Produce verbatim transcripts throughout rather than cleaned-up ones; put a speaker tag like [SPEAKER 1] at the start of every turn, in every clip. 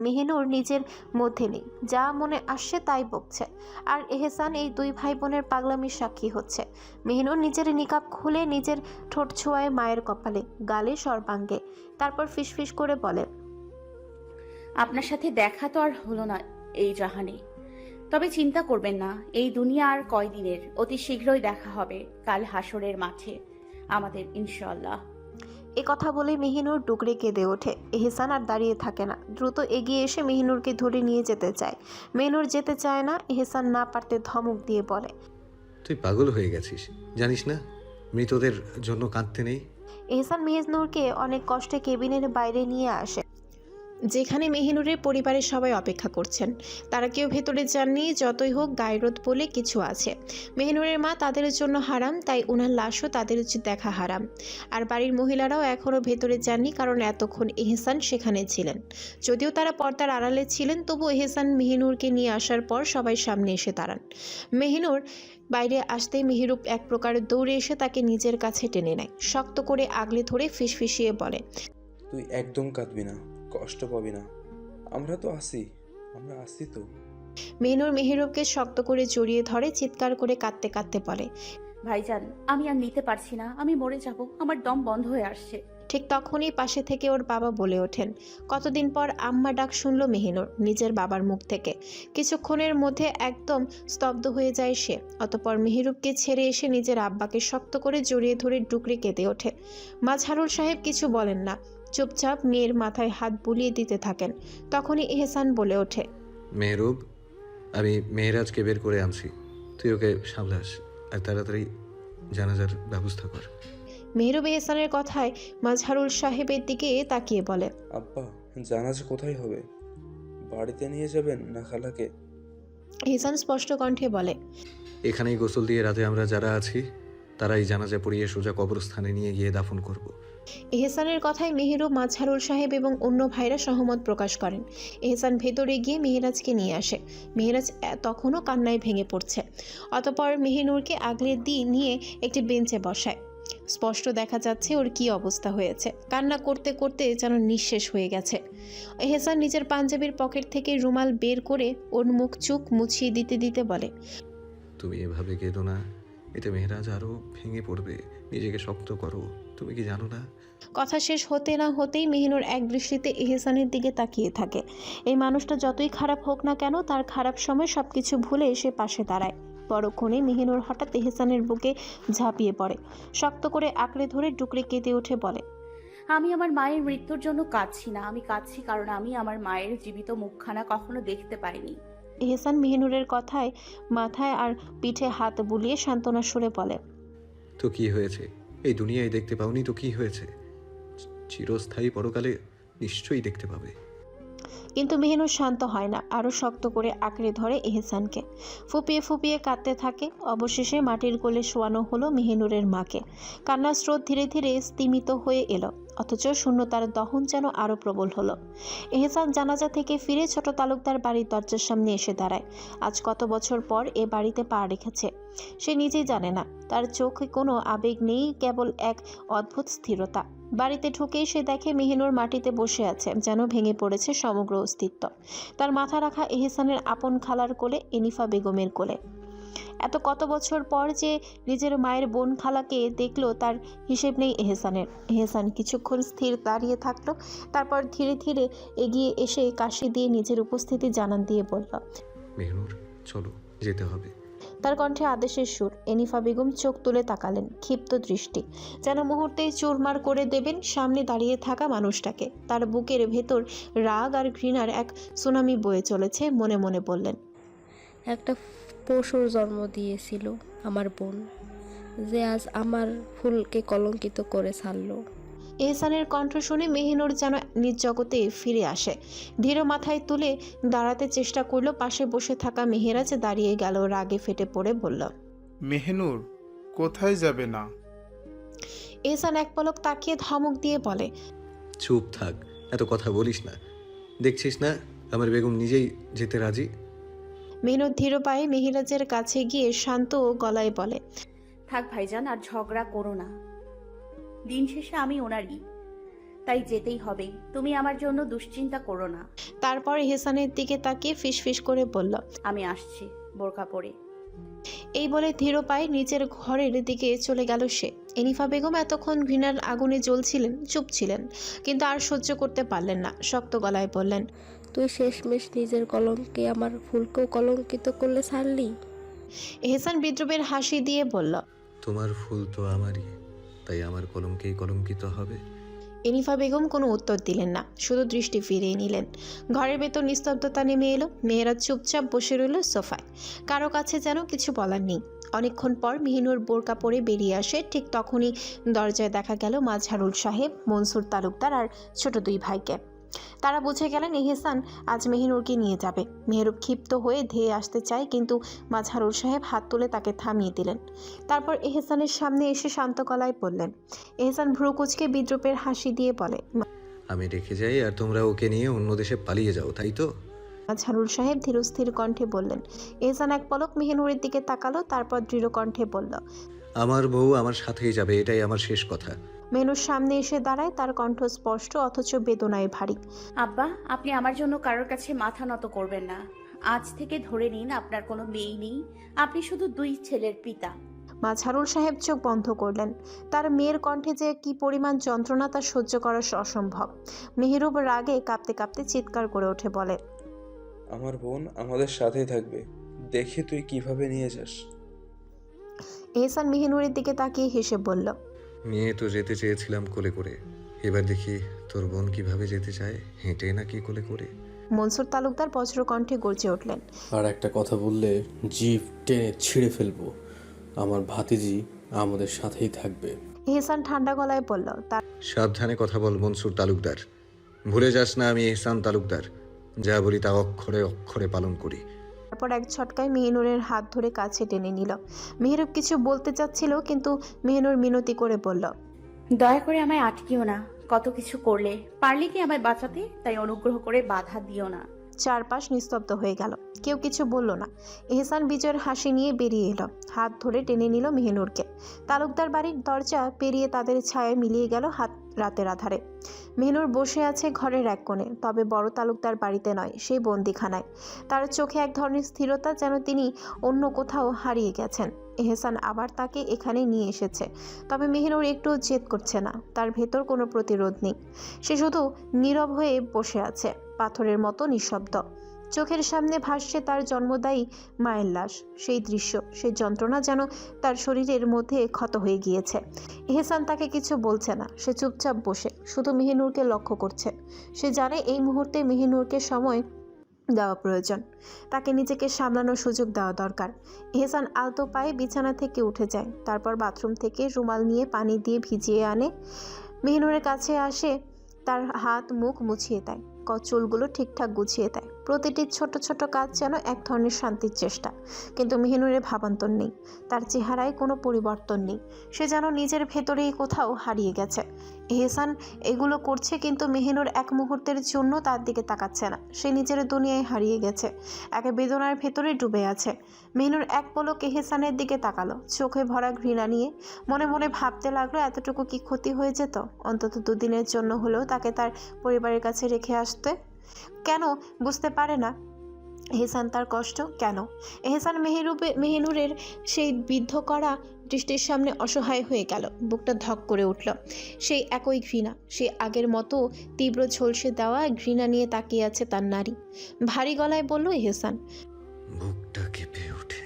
[SPEAKER 1] মেহিনুর নিজের মধ্যে নেই, যা মনে আসছে তাই বকছে, আর এহসান এই দুই ভাই বোনের পাগলামির সাক্ষী হচ্ছে। মেহিনুর নিজের নিকাব খুলে নিজের ঠোঁট ছোঁয়ায় মায়ের কপালে, গালে, সর্বাঙ্গে, তারপর ফিসফিস করে বলে,
[SPEAKER 2] আপনার সাথে দেখা তো আর হলো না এই জাহানে, তবে চিন্তা করবেন না, এই দুনিয়া আর কয়দিনের, অতি শীঘ্রই দেখা হবে কাল হাসরের মাঠে আমাদের ইনশাআল্লাহ।
[SPEAKER 1] এ কথা বলে মেহিনুর ডুকরে কেঁদে ওঠে। এহসান আর দাঁড়িয়ে থাকে না, দ্রুত এগিয়ে এসে মেহিনুরকে ধরে নিয়ে যেতে চায়। মেহিনুর যেতে চায় না। এহসান না পারতে ধমক দিয়ে বলে,
[SPEAKER 3] তুই পাগল হয়ে গেছিস, জানিস না মৃতদের জন্য কাঁদতে নেই।
[SPEAKER 1] এহসান মেহিনুরকে অনেক কষ্টে কেবিনের বাইরে নিয়ে আসে, যেখানে মেহিনুরের পরিবারের সবাই অপেক্ষা করছেন। তারা কেউ ভেতরে যাননি, যতই হোক গায়রোদ বলে কিছু আছে। মেহিনুরের মা তাদের জন্য হারাম, তাই ওনার লাশও তাদের দেখা হারাম। আর বাড়ির মহিলারাও এখনও ভেতরে যাননি, কারণ এতক্ষণ এহসান সেখানে ছিলেন। যদিও তারা পর্দার আড়ালে ছিলেন, তবু এহসান মেহিনুরকে নিয়ে আসার পর সবাই সামনে এসে দাঁড়ান। মেহিনুর বাইরে আসতেই মেহিরূপ এক প্রকার দৌড়ে এসে তাকে নিজের কাছে টেনে নেয়, শক্ত করে আগলে ধরে ফিসফিসিয়ে বলে,
[SPEAKER 4] তুই একদম কাঁদবি না, কষ্ট পাবি না, আমরা তো আসি, আমরা আসি তো।
[SPEAKER 1] মেহিনুর মেহিরূপকে শক্ত করে জড়িয়ে ধরে, চিৎকার করে কাঁদতে কাঁদতে বলে,
[SPEAKER 2] ভাইজান, আমি আর নিতে পারছি না, আমি মরে যাব, আমার দম বন্ধ হয়ে আসছে।
[SPEAKER 1] ঠিক তখনই পাশে থেকে ওর বাবা বলে ওঠেন। কতদিন পর আম্মা ডাক শুনল মেহিনুর নিজের বাবার মুখ থেকে। কিছুক্ষণের মধ্যে একদম স্তব্ধ হয়ে যায় সে। অতঃপর মেহিরূপকে ছেড়ে এসে নিজের আব্বাকে শক্ত করে জড়িয়ে ধরে ডুকরে কেঁদে ওঠে। মাঝহারুল সাহেব কিছু বলেন না, চুপচাপ মেয়ের মাথায় হাত বুলিয়ে দিতে থাকেন। তখনই এহসান বলে ওঠে,
[SPEAKER 3] মেহরুব, আমি মেহরাজকে বের করে আনছি, তুই ওকে সামলাস আর তাড়াতাড়ি জানাজার ব্যবস্থা কর।
[SPEAKER 1] মেহরুব এহসানের কথায় মাঝহারুল সাহেবের দিকে তাকিয়ে বলে,
[SPEAKER 4] আব্বা, জানাজা কোথায় হবে? বাড়িতে নিয়ে যাবেন না খালাকে?
[SPEAKER 1] এহসান স্পষ্ট কণ্ঠে বলে,
[SPEAKER 3] এখানেই গোসল দিয়ে রাতে আমরা যারা আছি তারাই জানাজা পড়িয়ে সোজা কবরস্থানে নিয়ে গিয়ে দাফন করব।
[SPEAKER 1] এহসানের কথায় মেহেরুব, মাঝহারুল সাহেব এবং অন্য ভাইরা সহমত প্রকাশ করেন। এহসান ভেতরে গিয়ে মেহেরাজকে নিয়ে আসে। মেহেরাজ তখনও কান্নায় ভেঙে পড়ছে। অতঃপর মেহিনুরকে আগলে দিয়ে নিয়ে একটি বেঞ্চে বসায়। স্পষ্ট দেখা যাচ্ছে ওর কি অবস্থা হয়েছে। কান্না করতে করতে যেন নিঃশেষ হয়ে গেছে। এহসান নিজের পাঞ্জাবির পকেট থেকে রুমাল বের করে ওর মুখ চুখ মুছিয়ে দিতে দিতে বলে,
[SPEAKER 3] তুমি এভাবে কেঁদো না, এতে মেহরাজ আরও ভেঙে পড়বে, নিজেকে শক্ত করো, তুমি কি জানো না?
[SPEAKER 1] কথা শেষ হতে না হতেই মেহিনুর এক দৃষ্টিতে এহসানের দিকে তাকিয়ে থাকে। এই মানুষটা যতই খারাপ হোক না কেন, তার খারাপ সময় সবকিছু ভুলে এসে পাশে দাঁড়ায়। পরক্ষণে মেহিনুর হঠাৎ এহসানের বুকে ঝাঁপিয়ে পড়ে, শক্ত করে আঁকড়ে ধরে ডুকরে কেঁদে উঠে বলে,
[SPEAKER 2] আমি আমার মায়ের মৃত্যুর জন্য কাঁদছি না, আমি কাঁদছি কারণ আমি আমার মায়ের জীবিত মুখখানা কখনো দেখতে পাইনি।
[SPEAKER 1] এহসান মেহিনুরের কথায় মাথায় আর পিঠে হাত বুলিয়ে সান্ত্বনার সুরে বলে,
[SPEAKER 3] তো কি হয়েছে? এই দুনিয়ায় দেখতে পাওনি তো কি হয়েছে? চিরস্থায়ী পরকালে নিশ্চয়ই দেখতে পাবে।
[SPEAKER 1] কিন্তু মেহিনুর শান্ত হয় না, আরও শক্ত করে আঁকড়ে ধরে এহসানকে। ফুপিয়ে ফুপিয়ে কাঁদতে থাকে। অবশেষে মাটির কোলে শোয়ানো হলো মেহিনুরের মাকে। কান্নার স্রোত ধীরে ধীরে স্তিমিত হয়ে এলো, অথচ শূন্যতার দহন যেন আরও প্রবল হলো। এহসান জানাজা থেকে ফিরে ছোট তালুকদার বাড়ির দরজার সামনে এসে দাঁড়ায়। আজ কত বছর পর এ বাড়িতে পা রেখেছে সে নিজেই জানে না। তার চোখে কোনো আবেগ নেই, কেবল এক অদ্ভুত স্থিরতা। বাড়িতে ঢুকেই সে দেখে মেহিনুর মাটিতে বসে আছে, যেন ভেঙে পড়েছে সমগ্র অস্তিত্ব। তার মাথা রাখা এহসানের আপন খালার কোলে, এনিফা বেগমের কোলে। এত কত বছর পর যে নিজের মায়ের বোন খালাকে দেখলো, তার হিসেব নেই এহসানের। এহসান কিছুক্ষণ স্থির দাঁড়িয়ে থাকলো, তারপর ধীরে ধীরে এগিয়ে এসে কাশি দিয়ে নিজের উপস্থিতি জানান দিয়ে বলল,
[SPEAKER 3] মেহনুর, চলো, যেতে হবে।
[SPEAKER 1] তার কণ্ঠে আদেশের সুর। এনিফা বেগম চোখ তুলে তাকালেন, ক্ষিপ্ত দৃষ্টি, যেন মুহূর্তেই চুরমার করে দেবেন সামনে দাঁড়িয়ে থাকা মানুষটাকে। তার বুকের ভেতর রাগ আর ঘৃণার এক সুনামি বয়ে চলেছে। মনে মনে বললেন,
[SPEAKER 5] একটা পশুর জন্ম দিয়েছিল আমার বোন, যে আজ আমার ফুলকে কলঙ্কিত করে ছাড়লো।
[SPEAKER 1] এহসানের কণ্ঠ শুনে মেহিনুর যেন নিজ জগতে ফিরে আসে। ধীর মাথায় তুলে দাঁড়াতে চেষ্টা করলো। পাশে বসে থাকা মেহেরাজ দাঁড়িয়ে গেল, রাগে ফেটে পড়ে বলল,
[SPEAKER 6] মেহনুর, কোথায় যাবে না?
[SPEAKER 1] এহসান এক পলক তাকিয়ে ধমক দিয়ে বলে,
[SPEAKER 3] চুপ থাক, এত কথা বলিস না, দেখছিস না আমার বেগম নিজেই যেতে রাজি।
[SPEAKER 1] মেহনুর ধীর পায়ে মেহেরাজের কাছে গিয়ে শান্ত গলায় বলে,
[SPEAKER 2] থাক ভাইজান, আর ঝগড়া করো না, দিন শেষে আমি ওনারই, তাই যেতেই হবে। তুমি আমার জন্য দুশ্চিন্তা করো না।
[SPEAKER 1] তারপর এহসানের দিকে তাকিয়ে ফিসফিস করে বলল,
[SPEAKER 2] আমি আসছি বোরকা পরে।
[SPEAKER 1] এই বলে ধীর পায়ে নিচের ঘরের দিকে চলে গেল সে। এনিফা বেগম এতক্ষণ ঘৃণার আগুনে জ্বলছিলেন, চুপ ছিলেন, কিন্তু আর সহ্য করতে পারলেন না। শক্ত গলায় বললেন,
[SPEAKER 5] তুই শেষমেশ নিজের কলঙ্কে আমার ফুলকেও কলঙ্কিত করলে ছাড়লি।
[SPEAKER 1] এহসান বিদ্রুপের হাসি দিয়ে বলল,
[SPEAKER 3] তোমার ফুল তো আমারই, তাই আমার কলঙ্কেই কলঙ্কিত হবে।
[SPEAKER 1] এনিফা বেগম কোনো উত্তর দিলেন না, শুধু দৃষ্টি ফিরিয়ে নিলেন। ঘরের ভেতর নিস্তব্ধতা নেমে এলো। মেয়েরা চুপচাপ বসে রইল সোফায়, কারো কাছে যেন কিছু বলার নেই। অনেকক্ষণ পর মেহিনুর বোরকা পরে বেরিয়ে আসে। ঠিক তখনই দরজায় দেখা গেল মাঝহারুল সাহেব, মনসুর তালুকদার আর ছোট দুই ভাইকে। তারা বুঝে গেলেন এহসান আজ মেহিনুরকে নিয়ে যাবে। মেহরুব ক্ষিপ্ত হয়ে ধেয়ে আসতে চায়, কিন্তু মাঝহারুল সাহেব হাত তুলে তাকে থামিয়ে দিলেন। তারপর এহসানের সামনে এসে শান্ত গলায় বললেন। এহসান ভ্রু কুঁচকে বিদ্রুপের হাসি দিয়ে বলে,
[SPEAKER 3] আমি রেখে যাই আর তোমরা ওকে নিয়ে অন্য দেশে পালিয়ে যাও, তাই তো?
[SPEAKER 1] মাঝহারুল সাহেব ধীরস্থির কণ্ঠে বললেন। এহসান এক পলক মেহিনুরের দিকে তাকালো, তারপর দৃঢ় কণ্ঠে বলল,
[SPEAKER 3] আমার বউ আমার সাথেই যাবে, এটাই আমার শেষ কথা।
[SPEAKER 1] মেনুর সামনে এসে দাঁড়ায়, তার কণ্ঠ স্পষ্ট অথচ বেদনায় ভারী।
[SPEAKER 2] আব্বা, আপনি আমার জন্য কারোর কাছে মাথা নত করবেন না। আজ থেকে ধরে নিন আপনার কোনো মেয়ে নেই, আপনি শুধু দুই ছেলের পিতা।
[SPEAKER 1] মাঝহারুল সাহেব চোখ বন্ধ করলেন। তার মেয়ের কণ্ঠে যে কি পরিমাণ যন্ত্রণা তা সহ্য করা অসম্ভব। মেহরুব রাগে কাঁপতে কাঁপতে চিৎকার করে ওঠে, বলে,
[SPEAKER 4] আমার বোন আমাদের সাথেই থাকবে, দেখে তুই কিভাবে নিয়ে যাস।
[SPEAKER 1] এহসান মেহিনুরের দিকে তাকিয়ে হেসে বলল,
[SPEAKER 3] নিয়ে তো যেতে চেয়েছিলাম কোলে করে, এবার দেখি তোর বোন কিভাবে যেতে চায়, হেঁটে নাকি কোলে করে।
[SPEAKER 1] মনসুর তালুকদার বজ্র কণ্ঠে গর্জে উঠলেন,
[SPEAKER 7] আর একটা কথা বললে জিভ টেনে ছিঁড়ে ফেলবো। আমার ভাতিজি আমাদের সাথেই থাকবে।
[SPEAKER 1] এহসান ঠান্ডা গলায় বলল, তার
[SPEAKER 3] সাবধানে কথা বল মনসুর তালুকদার, ভুলে যাস না আমি এহসান তালুকদার, যা বলি তা অক্ষরে অক্ষরে পালন করি।
[SPEAKER 1] তারপর এক ঝটকায় মেহিনুরের হাত ধরে কাছে টেনে নিল। মেহরুব কিছু বলতে চাচ্ছিল, কিন্তু মেহিনুর মিনতি করে বলল,
[SPEAKER 2] দয়া করে আমায় আটকিও না। কত কিছু করলে, পারলে কি আমায় বাঁচাতে, তাই অনুগ্রহ করে বাধা দিও না।
[SPEAKER 1] চারপাশ নিস্তব্ধ হয়ে গেল, কেউ কিছু বলল না। এহসান বিজয়ের হাসি নিয়ে বেরিয়ে এলো, হাত ধরে টেনে নিল মেহিনুরকে। তালুকদার বাড়ির দরজা পেরিয়ে তাদের ছায়ায় মিলিয়ে গেল হাত রাতের আধারে। মেহিনুর বসে আছে ঘরের এক কোণে, তবে বড় তালুকদার বাড়িতে নয়, সেই বন্দিখানায়। তার চোখে এক ধরনের স্থিরতা, যেন তিনি অন্য কোথাও হারিয়ে গেছেন। এহসান আবার তাকে এখানে নিয়ে এসেছে, তবে মেহিনুর একটু জেদ করছে না, তার ভেতর কোনো প্রতিরোধ নেই। সে শুধু নীরব হয়ে বসে আছে, পাথরের মতো নিঃশব্দ। চোখের সামনে ভাসছে তার জন্মদায়ী মায়ের লাশ, সেই দৃশ্য, সেই যন্ত্রণা যেন তার শরীরের মধ্যে ক্ষত হয়ে গিয়েছে। এহসান তাকে কিছু বলছে না, সে চুপচাপ বসে শুধু মেহিনুরকে লক্ষ্য করছে। সে জানে এই মুহূর্তে মেহিনুরকে সময় দেওয়া প্রয়োজন, তাকে নিজেকে সামলানোর সুযোগ দেওয়া দরকার। এহসান আলতো পায়ে বিছানা থেকে উঠে যায়, তারপর বাথরুম থেকে রুমাল নিয়ে পানি দিয়ে ভিজিয়ে আনে। মেহিনুরের কাছে আসে, তার হাত মুখ মুছিয়ে দেয়, চুলগুলো ঠিকঠাক গুছিয়ে দেয়। প্রতিটি ছোট ছোট কাজ যেন এক ধরনের শান্তির চেষ্টা, কিন্তু মেহিনুরের ভাবান্তর নেই, তার চেহারায় কোনো পরিবর্তন নেই। সে যেন নিজের ভেতরেই কোথাও হারিয়ে গেছে। এহসান এগুলো করছে, কিন্তু মেহিনুর এক মুহূর্তের জন্য তার দিকে তাকাচ্ছে না। সে নিজের দুনিয়ায় হারিয়ে গেছে, এক বেদনার ভেতরে ডুবে আছে। মেহিনুর এক পলক এহসানের দিকে তাকালো, চোখে ভরা ঘৃণা নিয়ে। মনে মনে ভাবতে লাগলো, এতটুকু কি ক্ষতি হয়ে যেত অন্তত দুদিনের জন্য হলেও তাকে তার পরিবারের কাছে রেখে আসতে। কেন বুঝতে পারে না এহসান তার কষ্ট? কেন এহসান মেহেরুবে মেহিনুরের সেই বিদ্ধ করা দৃষ্টির সামনে অসহায় হয়ে গেল? বুকটা ধক করে উঠল। সেই একই ঘৃণা, সেই আগের মতো তীব্র ঝলসে দেওয়া ঘৃণা নিয়ে তাকিয়ে আছে তার নারী। ভারী গলায় বলল এহসান,
[SPEAKER 3] বুকটা কেঁপে ওঠে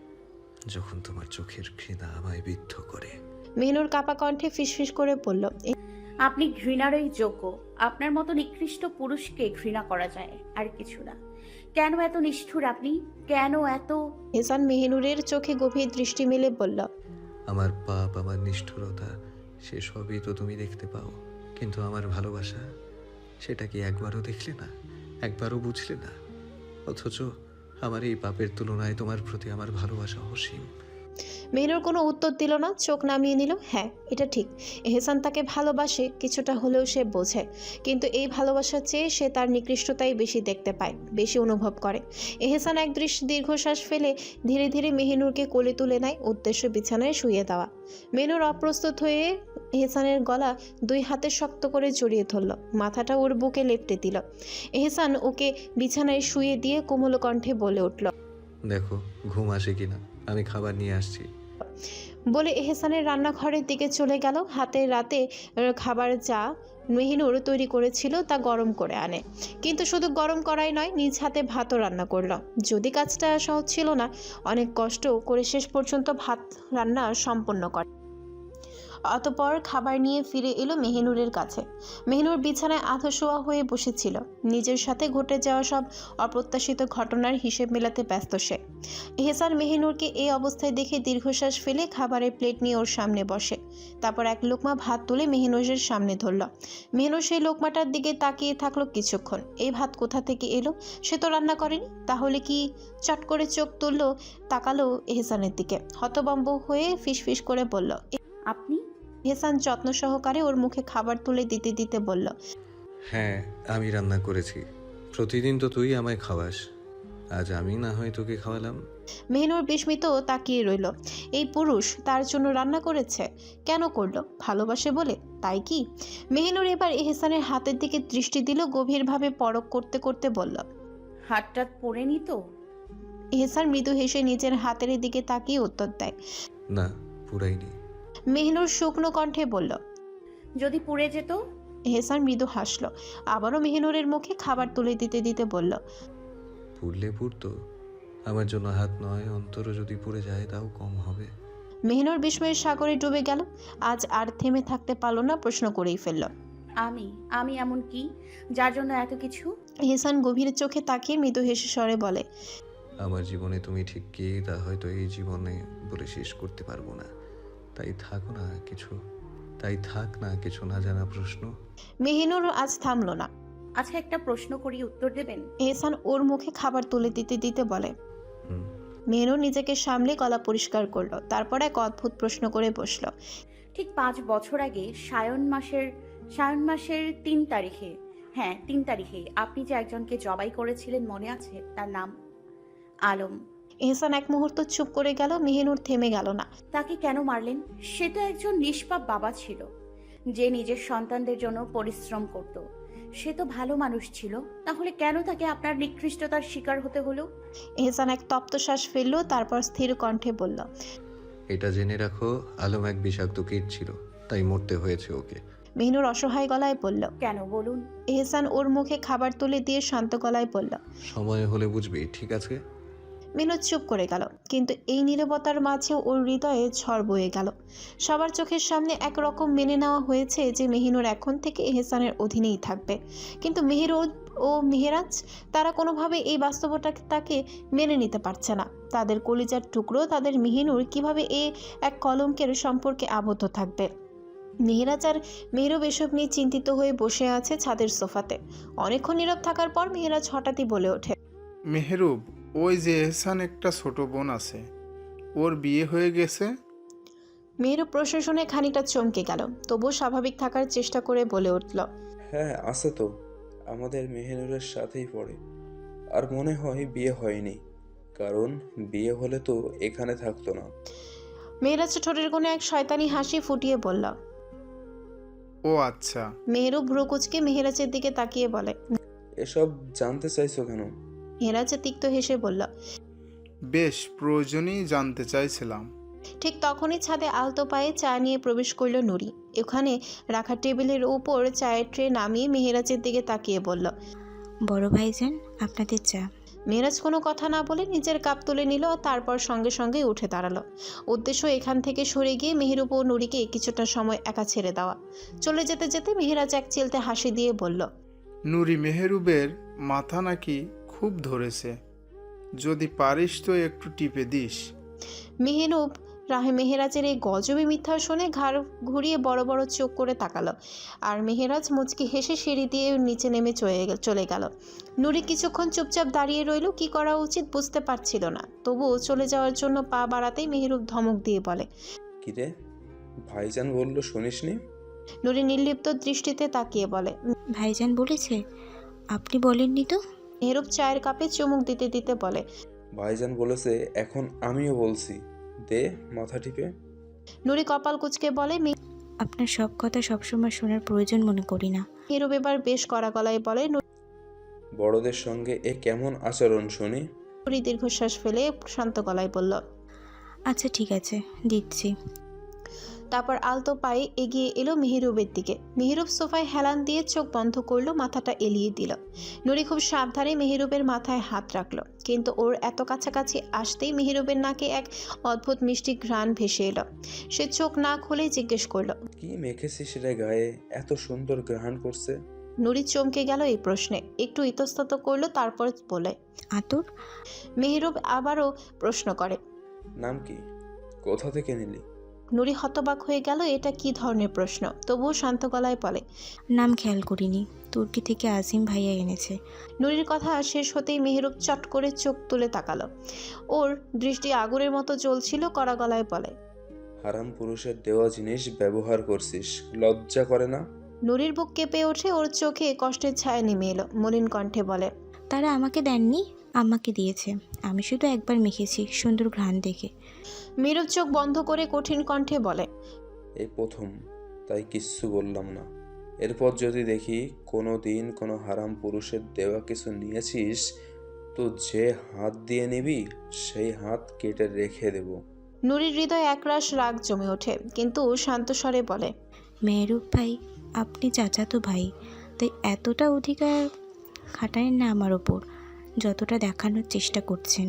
[SPEAKER 3] যখন তোমার চোখের ঘৃণা আমায় বিদ্ধ করে।
[SPEAKER 1] মেহিনুর কাপা কণ্ঠে ফিসফিস করে বলল,
[SPEAKER 2] আপনি ঘৃণারই যোগ্য। আপনার মতো নিকৃষ্ট পুরুষকে ঘৃণা করা যায়, আর কিছু না। কেন এত নিষ্ঠুর আপনি? কেন এত?
[SPEAKER 1] এহসান মেহিনুরের চোখে গভীর দৃষ্টি মেলে বলল,
[SPEAKER 3] আমার পাপ, আমার নিষ্ঠুরতা, সে সবই তো তুমি দেখতে পাও, কিন্তু আমার ভালোবাসা, সেটা কি একবারও দেখলে না, একবারও বুঝলে না? অথচ আমার এই পাপের তুলনায় তোমার প্রতি আমার ভালোবাসা অসীম।
[SPEAKER 1] মেহিনুর কোনো উত্তর দিল না, চোখ নামিয়ে নিল। হ্যাঁ, এটা ঠিক, এহসান তাকে ভালোবাসে, কিছুটা হলেও সে বোঝে, কিন্তু এই ভালোবাসার চেয়ে সে তার নিকৃষ্টতাই বেশি দেখতে পায়, বেশি অনুভব করে। এহসান এক দৃশ্য দীর্ঘশ্বাস ফেলে ধীরে ধীরে মেহিনুরকে কোলে তুলে নেয়, উদ্দেশ্য বিছানায় শুয়ে দেওয়া। মেহিনুর অপ্রস্তুত হয়ে এহসানের গলা দুই হাতে শক্ত করে জড়িয়ে ধরল, মাথাটা ওর বুকে লেপ্টে দিল। এহসান ওকে বিছানায় শুয়ে দিয়ে কোমল কণ্ঠে বলে উঠল,
[SPEAKER 3] দেখো ঘুম আসে কিনা, আমি খাবার নিয়ে আসছি।
[SPEAKER 1] বলে এহসানের রান্নাঘরের দিকে চলে গেল। হাতে রাতে খাবার যা মেহিনুর তৈরি করেছিল তা গরম করে আনে, কিন্তু শুধু গরম করাই নয়, নিজ হাতে ভাতও রান্না করলো। যদি কাজটা সহজ ছিল না, অনেক কষ্ট করে শেষ পর্যন্ত ভাত রান্না সম্পন্ন করে। অতপর খাবার নিয়ে ফিরে এলো মেহিনুরের কাছে। মেহিনুর বিছানায় আধো শোয়া হয়ে বসেছিল, নিজের সাথে ঘটে যাওয়া সব অপ্রত্যাশিত ঘটনার হিসেব মেলাতে ব্যস্ত সে। এহসান মেহিনুরকে এই অবস্থায় দেখে দীর্ঘশ্বাস ফেলে খাবারের প্লেট নিয়ে ওর সামনে বসে। তারপর এক লোকমা ভাত তুলে মেহিনুরের সামনে ধরল। মেহিনুর সেই লোকমাটার দিকে তাকিয়ে থাকলো কিছুক্ষণ। এই ভাত কোথা থেকে এলো? সে তো রান্না করেনি, তাহলে কি? চট করে চোখ তুললো, তাকালো এহসানের দিকে, হতভম্ব হয়ে ফিসফিস করে বলল,
[SPEAKER 2] আপনি?
[SPEAKER 1] এহসান যত্ন সহকারে ওর মুখে খাবার তুলে দিতে দিতে বলল,
[SPEAKER 3] হ্যাঁ আমি রান্না করেছি, প্রতিদিন তো তুই আমায় খাওয়াস, আজ আমি না হয় তোকে খাওয়ালাম।
[SPEAKER 1] মেহিনুর বিস্মিত তাকিয়ে রইল। এই পুরুষ তার জন্য রান্না করেছে? কেন করলো? ভালোবাসে বলে, তাই কি? মেহিনুর এবার এহসানের হাতের দিকে দৃষ্টি দিল, গভীরভাবে পরখ করতে করতে বলল,
[SPEAKER 2] হাতটা পড়েনি তো?
[SPEAKER 1] এহসান মৃদু হেসে নিজের হাতের দিকে তাকিয়ে উত্তর দেয়।
[SPEAKER 3] না পুরাইনি।
[SPEAKER 1] মেহিনুর শুকনো কণ্ঠে বলল,
[SPEAKER 2] যদি পুড়ে যেত?
[SPEAKER 1] এহসান মৃদু হাসল, আবারও মেহিনুরের মুখে খাবার তুলে দিতে দিতে বলল,
[SPEAKER 3] পুড়লে পুড়তো, আমার জন্য হাত নয় অন্তরও যদি পুড়ে যায় তাও কম হবে।
[SPEAKER 1] মেহিনুর বিস্ময়ের সাগরে ডুবে গেল। আজ আর থেমে থাকতে পারল না, প্রশ্ন করেই ফেলল,
[SPEAKER 2] আমি আমি এমন কি যার জন্য এত কিছু?
[SPEAKER 1] এহসান গভীর চোখে তাকিয়ে মৃদু হেসে স্বরে বলে,
[SPEAKER 3] আমার জীবনে তুমি ঠিক কি তা হয়তো এই জীবনে বলে শেষ করতে পারবো না, তাই থাকো না কিছু, তাই থাক না কিছু না জানা প্রশ্ন।
[SPEAKER 1] মেহিনুর আজ থামলো না।
[SPEAKER 2] আচ্ছা, একটা প্রশ্ন করি, উত্তর দেবেন?
[SPEAKER 1] এহসান ওর মুখে খাবার তুলে দিতে দিতে বলে।
[SPEAKER 3] হুম।
[SPEAKER 1] মেহিনুর নিজেকে সামলে গলা পরিষ্কার করলো, তারপর এক অদ্ভুত প্রশ্ন করে বসলো।
[SPEAKER 2] ঠিক পাঁচ বছর আগে সায়ন মাসের সায়ন মাসের তিন তারিখে, হ্যাঁ তিন তারিখে আপনি যে একজনকে জবাই করেছিলেন মনে আছে? তার নাম আলম।
[SPEAKER 1] এহসান এক মুহূর্ত চুপ করে গেল। মেহিনুর থেমে গেল না।
[SPEAKER 2] তাকে কেন মারলেন? সে তো একজন নিষ্পাপ বাবা ছিল, যে নিজের সন্তানদের জন্য পরিশ্রম করত। সে তো ভালো মানুষ ছিল, তাহলে কেন তাকে আপনার নিকৃষ্টতার শিকার হতে হলো?
[SPEAKER 1] এহসান এক তপ্ত শ্বাস ফেললো, তারপর স্থির কণ্ঠে বলল,
[SPEAKER 3] এটা জেনে রাখো, আলম এক বিষাক্ত কীট ছিল, তাই মরতে হয়েছে ওকে।
[SPEAKER 1] মেহিনুর অসহায় গলায় বলল।
[SPEAKER 2] কেন বলুন?
[SPEAKER 1] এহসান ওর মুখে খাবার তুলে দিয়ে শান্ত গলায় বলল,
[SPEAKER 3] সময় হলে বুঝবি, ঠিক আছে?
[SPEAKER 1] মেহিনুর চুপ করে গেল, কিন্তু এই নীরবতার মাঝেও ওর হৃদয়ে ঝড় বয়ে গেল। সবার চোখের সামনে একরকম মেনে নেওয়া হয়েছে যে মেহিনুর এখন থেকে এহসানের অধীনেই থাকবে, কিন্তু মেহেরুদ ও মেহেরাজ তারা কোনোভাবে এই বাস্তবতাকে মেনে নিতে পারছে না। তাদের কলিজার টুকরো তাদের মেহিনুর কিভাবে এ এক কলঙ্কের সম্পর্কে আবদ্ধ থাকবে? মেহেরাজ আর মেহরুব এসব নিয়ে চিন্তিত হয়ে বসে আছে ছাদের সোফাতে। অনেকক্ষণ নীরব থাকার পর মেহেরাজ হঠাৎই বলে ওঠে,
[SPEAKER 6] মেহরুব, ওই যে এহসান একটা ছোট বোন আছে, ওর বিয়ে হয়ে গেছে।
[SPEAKER 1] মেহরুব প্রশাসনে খানিকটা চমকে গেল, তবুও স্বাভাবিক থাকার চেষ্টা করে বলে উঠল,
[SPEAKER 4] হ্যাঁ আছে তো, আমাদের মেহেনুরের সাথেই পড়ে। আর মনে হয় বিয়ে হয়নি, কারণ বিয়ে হলে তো এখানে থাকতো না।
[SPEAKER 1] মেহেরাজ ঠোঁটের কোণে এক শয়তানি হাসি ফুটিয়ে বলল।
[SPEAKER 6] ও আচ্ছা।
[SPEAKER 1] মেহরুব ভ্রুকুচকে মেহেরাজের দিকে তাকিয়ে বলে,
[SPEAKER 4] এসব জানতে চাইছো কেন?
[SPEAKER 1] মেহেরাজ তিক্ত হেসে বলল,
[SPEAKER 6] বেশ প্রয়োজনই জানতে চাইছিলাম।
[SPEAKER 1] ঠিক তখনই ছাদে আলতো পায়ে চা নিয়ে প্রবেশ করল নুরি। ওখানে রাখা টেবিলের উপর চায়ের ট্রে নামিয়ে মেহেরাজের দিকে তাকিয়ে বলল,
[SPEAKER 8] বড় ভাইজান আপনাদের চা।
[SPEAKER 1] মেহেরাজ কোনো কথা না বলে নিজের কাপ তুলে নিল, তারপর সঙ্গে সঙ্গে উঠে দাঁড়ালো। উদ্দেশ্য এখান থেকে সরে গিয়ে মেহেরুব ও নুরিকে কিছুটা সময় একা ছেড়ে দেওয়া। চলে যেতে যেতে মেহেরাজ এক চিলতে হাসি দিয়ে বলল,
[SPEAKER 6] নুরি, মেহরুবের মাথা নাকি খুব ধরেছে, যদি পারিস তো একটু টিপে দিস।
[SPEAKER 1] মেহেরুব রাহে মেহেরাজের এই গজবে মিথ্যা শুনে ঘাড় ঘুরিয়ে বড় বড় চোখ করে তাকালো, আর মেহেরাজ মুচকি হেসে সিঁড়ি দিয়ে নিচে নেমে চলে গেল। নুরি কিছুক্ষণ চুপচাপ দাঁড়িয়ে রইল, কি করা উচিত বুঝতে পারছিল না। তবুও চলে যাওয়ার জন্য পা বাড়াতেই মেহেরুব ধমক দিয়ে বলে,
[SPEAKER 4] কিরে, ভাইজান বললো শুনিসনি?
[SPEAKER 1] নুরি নির্লিপ্ত দৃষ্টিতে তাকিয়ে বলে,
[SPEAKER 8] ভাইজান বলেছে, আপনি বলেননি তো?
[SPEAKER 1] মেহেরুব চায়ের কাপে চুমুক দিতে দিতে বলে,
[SPEAKER 4] ভাইজান বলেছে, এখন আমিও বলছি, দে মাথা টিপে।
[SPEAKER 1] নুরি কপাল কুঁচকে বলে,
[SPEAKER 8] আপনার সব কথা সবসময় শোনার প্রয়োজন মনে করি না।
[SPEAKER 1] মেহরুব এবার বেশ কড়া গলায় বলে।
[SPEAKER 4] বড়দের সঙ্গে এ কেমন আচরণ শুনি?
[SPEAKER 1] নুরি দীর্ঘশ্বাস ফেলে শান্ত গলায় বলল।
[SPEAKER 8] আচ্ছা ঠিক আছে, দিচ্ছি।
[SPEAKER 1] তারপর আলতো পায়ে এগিয়ে এলো মেহরুবের দিকে। মেহরুব সোফায় হেলান দিয়ে চোখ বন্ধ করলো, মাথাটা এলিয়ে দিল। নুরি খুব সাবধানে মেহরুবের মাথায় হাত রাখলো, কিন্তু ওর এত কাছাকাছি আসতেই মেহরুবের নাকে এক অদ্ভুত মিষ্টি ঘ্রাণ ভেসে এলো। সে চোখ না খুলেই জিজ্ঞেস করলো,
[SPEAKER 4] কি মেখেছিস রে গায়ে, এত সুন্দর গ্রহণ করছে?
[SPEAKER 1] নুরি চমকে গেল এই প্রশ্নে, একটু ইতস্তত করলো, তারপর বলে।
[SPEAKER 8] আতর?
[SPEAKER 1] মেহরুব আবারও প্রশ্ন করে।
[SPEAKER 4] নাম কি? কোথা থেকে নিলি?
[SPEAKER 1] নুরি হতবাক হয়ে গেল, এটা কি ধরনের প্রশ্ন, তবুও শান্ত গলায় বলে।
[SPEAKER 8] নাম খেয়াল করিনি, তুর্কি থেকে আজিম ভাইয়া এনেছে।
[SPEAKER 1] নুরির কথা শেষ হতেই মেহরুব চট করে চোখ তুলে তাকালো। ওর দৃষ্টি আগুনের মতো জ্বলছিল, কড়া গলায় বলে।
[SPEAKER 4] হারাম পুরুষের দেওয়া জিনিস ব্যবহার করছিস, লজ্জা করে না?
[SPEAKER 1] নুরির বুক কেঁপে ওঠে, ওর চোখে কষ্টের ছায়া নেমে এলো। মলিন কণ্ঠে বলে।
[SPEAKER 8] তারা আমাকে দেননি, আমাকে দিয়েছে। আমি শুধু একবার মেখেছি, সুন্দর ঘ্রাণ দেখে।
[SPEAKER 1] মেহরুব চোখ বন্ধ করে কঠিন কণ্ঠে বলে।
[SPEAKER 4] এই প্রথম, তাই কিচ্ছু বললাম না। এরপর যদি দেখি কোনো দিন কোনো হারাম পুরুষের দেওয়া কিছু নিয়েছিস, তো যে হাত দিয়ে নিবি সেই হাত কেটে রেখে দেব।
[SPEAKER 1] নুরির হৃদয় একরাশ রাগ জমে ওঠে, কিন্তু শান্ত স্বরে বলে।
[SPEAKER 8] মেহরুব ভাই, আপনি চাচাতো ভাই, তাই এতটা অধিকার খাটায়েন না আমার ওপর, যতটা দেখানোর চেষ্টা করছেন।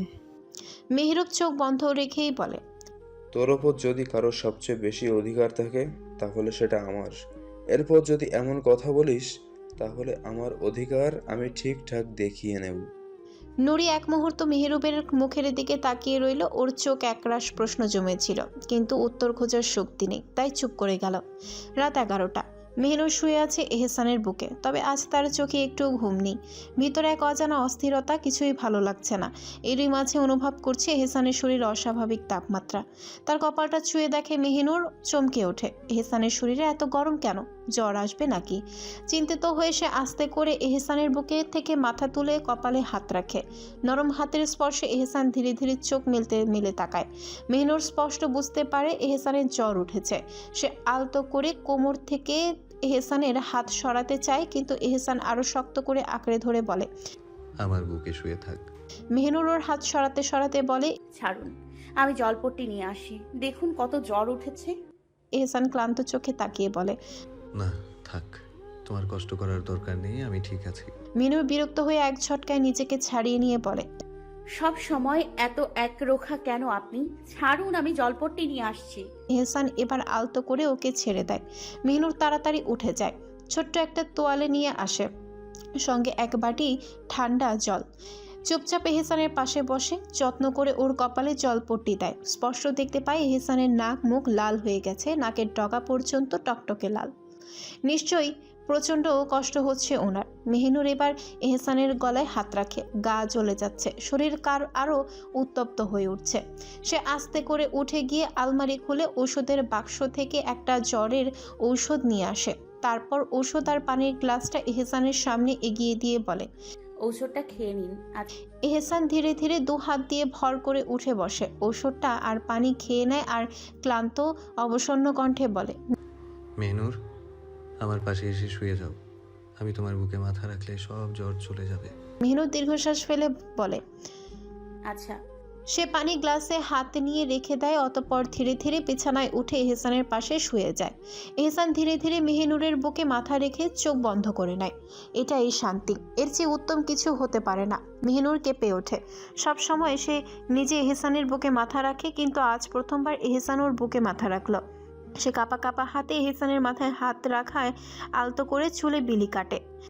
[SPEAKER 1] মেহরুব চোখ বন্ধ রেখেই বলে।
[SPEAKER 4] তোর ওপর যদি কারো সবচেয়ে বেশি অধিকার থাকে তাহলে সেটা আমার। এরপর যদি এমন কথা বলিস তাহলে আমার অধিকার আমি ঠিকঠাক দেখিয়ে নেব।
[SPEAKER 1] নুরি এক মুহূর্ত মেহরুবের মুখের দিকে তাকিয়ে রইল। ওর চোখ একরাশ প্রশ্ন জমেছিল, কিন্তু উত্তর খোঁজার শক্তি নেই, তাই চুপ করে গেল। রাত এগারোটা। মেহনুর শুয়ে আছে এহসানের বুকে, তবে আজ তার চোখে একটু ঘুম নেই। ভিতরে এক অজানা অস্থিরতা, কিছুই ভালো লাগছে না। এরই মাঝে অনুভব করছে এহসানের শরীর অস্বাভাবিক তাপমাত্রা। তার কপালটা ছুঁয়ে দেখে মেহনুর, চমকে ওঠে। এহসানের শরীরে এত গরম কেন? জ্বর আসবে নাকি? চিন্তিত হয়ে সে আস্তে করে এহসানের বুকে থেকে মাথা তুলে কপালে হাত রাখে। নরম হাতের স্পর্শে এহসান ধীরে ধীরে চোখ মেলতে মেলে তাকায়। মেহনুর স্পষ্ট বুঝতে পারে এহসানের জ্বর উঠেছে। সে আলতো করে কোমর থেকে এহসানের হাত সরাতে চায়, কিন্তু এহসান আরো শক্ত করে আঁকড়ে ধরে বলে।
[SPEAKER 3] আমার বুকে শুয়ে থাক।
[SPEAKER 1] মেহনুর ওর হাত সরাতে সরাতে বলে।
[SPEAKER 2] ছাড়ুন, আমি জলপট্টি নিয়ে আসি। দেখুন কত জ্বর উঠেছে।
[SPEAKER 1] এহসান ক্লান্ত চোখে তাকিয়ে বলে।
[SPEAKER 3] না থাক, তোমার কষ্ট করার দরকার নেই, আমি ঠিক আছি।
[SPEAKER 1] মেহনুর বিরক্ত হয়ে এক ঝটকায় নিজেকে ছাড়িয়ে নিয়ে বলে।
[SPEAKER 2] সব সময় এত একরোখা কেন আপনি? ছাড়ুন, আমি জলপট্টি নিয়ে আসছি।
[SPEAKER 1] এহসান এবার আলতো করে ওকে ছেড়ে দেয়। মেহনুর তাড়াতাড়ি উঠে যায়, ছোট্ট একটা তোয়ালে নিয়ে আসে, সঙ্গে এক বাটি ঠান্ডা জল। চুপচাপ এহসানের পাশে বসে যত্ন করে ওর কপালে জলপট্টি দেয়। স্পষ্ট দেখতে পায় এহসানের নাক মুখ লাল হয়ে গেছে, নাকের ডগা পর্যন্ত টকটকে লাল। নিশ্চয়ই প্রচণ্ড কষ্ট হচ্ছে ওনার। মেহনুর এবার এহসানের গলায় হাত রাখে, গা জ্বলে যাচ্ছে, শরীর কার আরও উত্তপ্ত হয়ে উঠছে। সে আস্তে করে উঠে গিয়ে আলমারি খুলে ওষুধের বাক্স থেকে একটা জ্বরের ঔষধ নিয়ে আসে। তারপর ওষুধ আর পানির গ্লাসটা এহসানের সামনে এগিয়ে দিয়ে বলে।
[SPEAKER 2] ঔষধটা খেয়ে নিন। আচ্ছা।
[SPEAKER 1] এহসান ধীরে ধীরে দু হাত দিয়ে ভর করে উঠে বসে, ওষুধটা আর পানি খেয়ে নেয়, আর ক্লান্ত অবসন্ন কণ্ঠে বলে।
[SPEAKER 3] মেহনুর, আমার পাশে এসে শুয়ে যাও। আমি তোমার বুকে মাথা রাখলে সব জ্বর চলে যাবে।
[SPEAKER 1] মেহনুর দীর্ঘশ্বাস ফেলে বলে।
[SPEAKER 2] আচ্ছা।
[SPEAKER 1] সে পানি গ্লাসে হাত নিয়ে রেখে দেয়, অতঃপর ধীরে ধীরে বিছানায় উঠে এহসানের পাশে শুয়ে যায়। এহসান ধীরে ধীরে মেহনুরের বুকে মাথা রেখে চোখ বন্ধ করে নেয়। এটাই শান্তি, এর চেয়ে উত্তম কিছু হতে পারে না। মেহনুর কেঁপে ওঠে। সব সময় সে নিজে এহসানের বুকে মাথা রাখে, কিন্তু আজ প্রথমবার এহসান ওর বুকে মাথা রাখল। সে কাঁপা কাঁপা হাতে এহসানের মাথায় হাত রাখায় আলতো করে চুলে বিলি কাটে।